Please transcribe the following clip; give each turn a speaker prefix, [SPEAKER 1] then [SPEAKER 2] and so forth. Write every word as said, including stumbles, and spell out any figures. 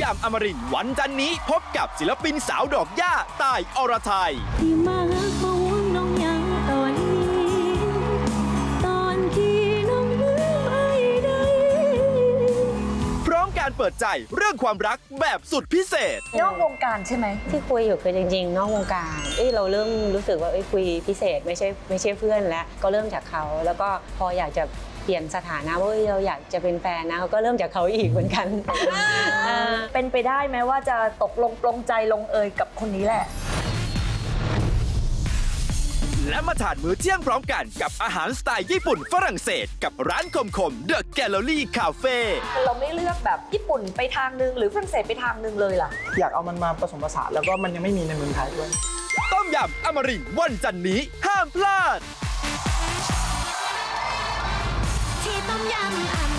[SPEAKER 1] ำอมรินทร์วันจันทร์นี้พบกับศิลปินสาวดอกหญ้าต่ายอรไทย
[SPEAKER 2] ที่มาเขาน้องยังตอนนี้ตอนที่น้องลืมไอ้ใด
[SPEAKER 1] พร้อมการเปิดใจเรื่องความรักแบบสุดพิเศษ
[SPEAKER 3] นอกวงการใช่ไหม
[SPEAKER 4] ที่คุยอยู่คือจริงๆนอกวงการเอ้ยเราเริ่มรู้สึกว่าเอ้ยคุยพิเศษไม่ใช่ไม่ใช่เพื่อนแล้วก็เริ่มจากเขาแล้วก็พออยากจะเปลี่ยนสถานะว่าเราอยากจะเป็นแฟนนะก็เริ่มจากเขาอีกเหมือนกัน
[SPEAKER 3] เป็นไปได้ไหมว่าจะตกลงปลงใจลงเอยกับคนนี้แหละ
[SPEAKER 1] และมาทานมื้อเที่ยงพร้อมกันกับอาหารสไตล์ญี่ปุ่นฝรั่งเศสกับร้านคมคมเดอะแกลเลอรี่คาเฟ่
[SPEAKER 3] เราไม่เลือกแบบญี่ปุ่นไปทางนึงหรือฝรั่งเศสไปทางนึงเลยล่ะ
[SPEAKER 5] อยากเอามันมาผสมผสานแล้วก็มันยังไม่มีในเมืองไทยด้วย
[SPEAKER 1] ต้มยำอมรินทร์วันจันทร์นี้ห้ามพลาด
[SPEAKER 2] ที่ต้มยำอม